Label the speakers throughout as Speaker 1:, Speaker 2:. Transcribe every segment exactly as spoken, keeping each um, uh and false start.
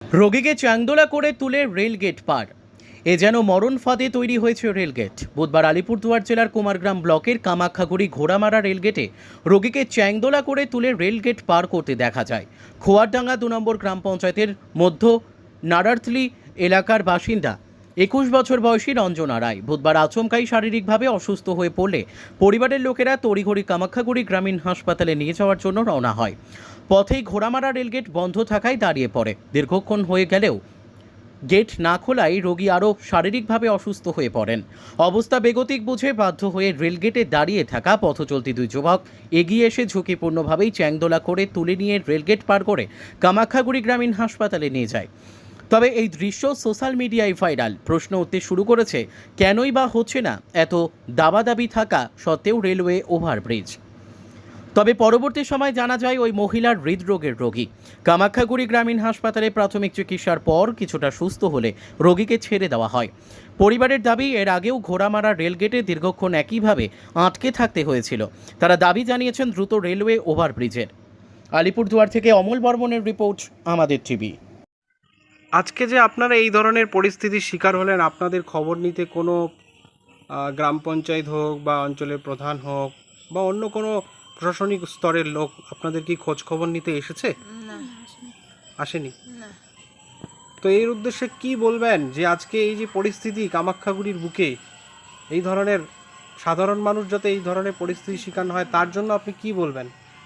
Speaker 1: রোগীকে চাংদোলা করে তুলে রেলগেট পার। এ যেন মরণ ফাঁদে তৈরি হয়েছে রেলগেট। বুধবার আলিপুরদুয়ার জেলার কুমারগ্রাম ব্লকের কামাখ্যাগুড়ি ঘোড়ামারা রেলগেটে রোগীকে চ্যাংদোলা করে তুলে রেলগেট পার করতে দেখা যায়। খোয়ারডাঙ্গা দু নম্বর গ্রাম পঞ্চায়েতের মধ্য নারার্থলি এলাকার বাসিন্দা একুশ বছর বয়সী রঞ্জনা রায় বুধবার আচমকাই শারীরিকভাবে অসুস্থ হয়ে পড়লে পরিবারের লোকেরা তড়িঘড়ি কামাখ্যাগুড়ি গ্রামীণ হাসপাতালে নিয়ে যাওয়ার জন্য রওনা হয়। পথেই ঘোড়ামারা রেলগেট বন্ধ থাকায় দাঁড়িয়ে পড়ে। দীর্ঘক্ষণ হয়ে গেলেও গেট না খোলায় রোগী আরও শারীরিকভাবে অসুস্থ হয়ে পড়েন। অবস্থা বেগতিক বুঝে বাধ্য হয়ে রেলগেটে দাঁড়িয়ে থাকা পথচলতি দুই যুবক এগিয়ে এসে ঝুঁকিপূর্ণভাবেই চ্যাংদোলা করে তুলে নিয়ে রেলগেট পার করে কামাখ্যাগুড়ি গ্রামীণ হাসপাতালে নিয়ে যায়। তবে এই দৃশ্য সোশ্যাল মিডিয়ায় ভাইরাল। প্রশ্ন উঠতে শুরু করেছে, কেনই বা হচ্ছে না এত দাবাদাবি থাকা সত্ত্বেও রেলওয়ে ওভারব্রিজ। তবে পরবর্তী সময় জানা যায় ওই মহিলার হৃদরোগের রোগী। কামাখ্যাগুড়ি গ্রামীণ হাসপাতালে প্রাথমিক চিকিৎসার পর কিছুটা সুস্থ হলে রোগীকে ছেড়ে দেওয়া হয়। পরিবারের দাবি, এর আগেও ঘোড়ামারা রেলগেটে দীর্ঘক্ষণ একইভাবে আটকে থাকতে হয়েছিল। তারা দাবি জানিয়েছেন দ্রুত রেলওয়ে ওভারব্রিজের। আলিপুরদুয়ার থেকে অমল বর্মনের রিপোর্ট, আমাদের টিভি।
Speaker 2: আজকে যে আপনারা এই ধরনের পরিস্থিতির শিকার হলেন, আপনাদের খবর নিতে কোনো গ্রাম পঞ্চায়েত হোক বা অঞ্চলের প্রধান হোক বা অন্য কোনো প্রশাসনিক স্তরের লোক আপনাদের কি খোঁজ খবর নিতে এসেছে?
Speaker 3: না,
Speaker 2: আসেনি।
Speaker 3: না।
Speaker 2: তো এর উদ্দেশ্যে কি বলবেন যে আজকে এই যে পরিস্থিতি কামাখ্যাগুড়ির বুকে, এই ধরনের সাধারণ মানুষ যাতে এই ধরনের পরিস্থিতির শিকার না হয় তার জন্য আপনি কি বলবেন?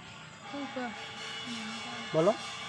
Speaker 2: বলো।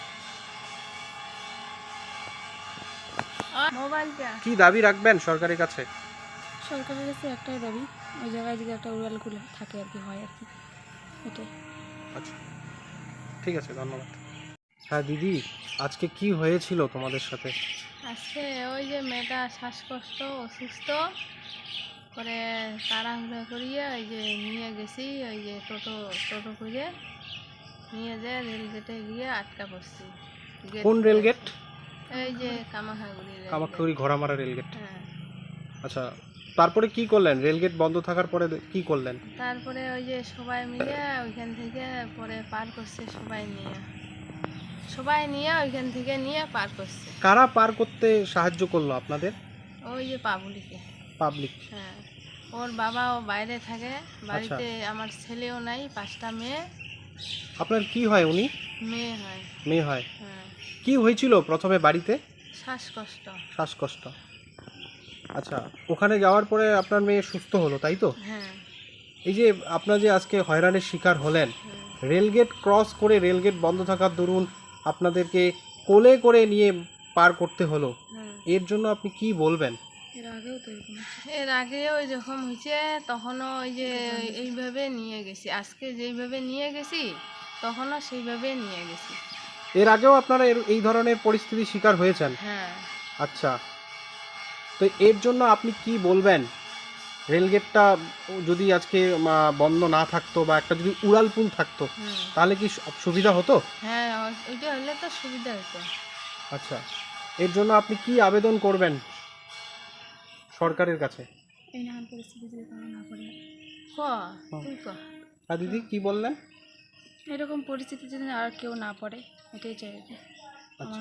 Speaker 3: মোবাইলটা
Speaker 2: কি দাবি রাখবেন সরকারের কাছে?
Speaker 3: সরকারের কাছে একটাই দাবি, ওই জায়গায় যদি একটা উড়াল খুলে থাকে আর কি হয় আর কি, এটাই।
Speaker 2: আচ্ছা, ঠিক আছে, ধন্যবাদ। হ্যাঁ দিদি, আজকে কি হয়েছিল তোমাদের সাথে?
Speaker 3: আজকে ওই যে মেয়েটা শ্বাসকষ্ট, অসুস্থ করে তাড়াহুড়া করিয়ে ওই যে নিয়ে গেছি, ওই যে টোটো টোটো করে নিয়ে যেয়ে রেলগেটে গিয়ে আটকা পড়ছি।
Speaker 2: কোন রেলগেট?
Speaker 3: এই যে কামাখ্যাগুড়ি
Speaker 2: কামাখ্যাগুড়ি ঘোড়ামারা রেলগেট।
Speaker 3: হ্যাঁ।
Speaker 2: আচ্ছা, তারপরে কি করলেন? রেলগেট বন্ধ থাকার পরে কি করলেন?
Speaker 3: তারপরে ওই যে সবাই মিলে ওইখান থেকে পরে পার করছে, সবাই নিয়ে সবাই নিয়ে ওইখান থেকে নিয়ে পার করছে।
Speaker 2: কারা পার করতে সাহায্য করলো আপনাদের?
Speaker 3: ওই যে পাবলিকে।
Speaker 2: পাবলিক।
Speaker 3: হ্যাঁ, ওর বাবাও বাইরে থাকে, বাড়িতে আমার ছেলেও নাই, পাঁচটা মেয়ে।
Speaker 2: আপনার কি হয়? উনি
Speaker 3: মেয়ে হয়।
Speaker 2: মেয়ে হয়।
Speaker 3: হ্যাঁ।
Speaker 2: কি হয়েছিল প্রথমে বাড়িতে?
Speaker 3: শ্বাসকষ্ট।
Speaker 2: শ্বাসকষ্ট। আচ্ছা, ওখানে যাওয়ার পরে আপনার মেয়ে সুস্থ হলো, তাই তো?
Speaker 3: হ্যাঁ।
Speaker 2: এই যে আপনার যে আজকে হয়রানির শিকার হলেন, রেলগেট ক্রস করে রেলগেট বন্ধ থাকার দরুন আপনাদেরকে কোলে করে নিয়ে পার করতে হলো, এর জন্য আপনি কি বলবেন?
Speaker 3: এর আগেও তো এরকম এর আগেও যখন হয়েছে তখনও ওই যে এইভাবে নিয়ে গেছি, আজকে যেইভাবে নিয়ে গেছি তখনও সেইভাবে নিয়ে গেছি।
Speaker 2: এর আগেও আপনারা এই ধরনের পরিস্থিতির শিকার হয়েছেন?
Speaker 3: হ্যাঁ।
Speaker 2: আচ্ছা, তো এর জন্য আপনি কি বলবেন? রেলগেটটা যদি আজকে বন্ধ না থাকতো বা একটা যদি উড়ালপুল থাকতো তাহলে কি সুবিধা হতো?
Speaker 3: হ্যাঁ, ওইটা হলে তো সুবিধা হতো।
Speaker 2: আচ্ছা, এর জন্য আপনি কি আবেদন করবেন সরকারের কাছে?
Speaker 3: এই না পরিস্থিতি যদি না করে ক তুই ক।
Speaker 2: হ্যাঁ দিদি, কি বললেন?
Speaker 3: এরকম পরিস্থিতি যদি আর কেউ না পড়ে, এটাই চাই।
Speaker 2: আচ্ছা,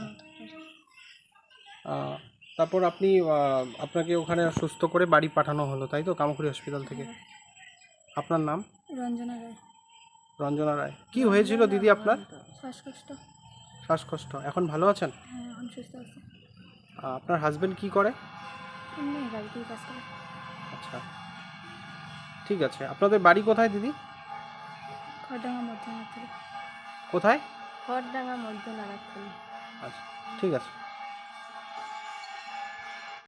Speaker 2: তারপর আপনি আপনাকে ওখানে সুস্থ করে বাড়ি পাঠানো হলো, তাই তো? কামাখ্যাগুড়ি হসপিটাল থেকে। আপনার নাম?
Speaker 3: রঞ্জনা রায়।
Speaker 2: রঞ্জনা রায়। কি হয়েছিল দিদি আপনার?
Speaker 3: শ্বাসকষ্ট।
Speaker 2: শ্বাসকষ্ট। এখন ভালো আছেন?
Speaker 3: হ্যাঁ, এখন সুস্থ আছে।
Speaker 2: আপনার হাজবেন্ড কি করে?
Speaker 3: এমনি বাড়িতেই কাজ করে।
Speaker 2: আচ্ছা, ঠিক আছে। আপনাদের বাড়ি কোথায় দিদি?
Speaker 3: খড়ডাঙ্গা মধ্য নারায়ণখালী।
Speaker 2: কোথায়?
Speaker 3: খড়ডাঙ্গা মধ্য নারায়ণখালী।
Speaker 2: আচ্ছা, ঠিক আছে।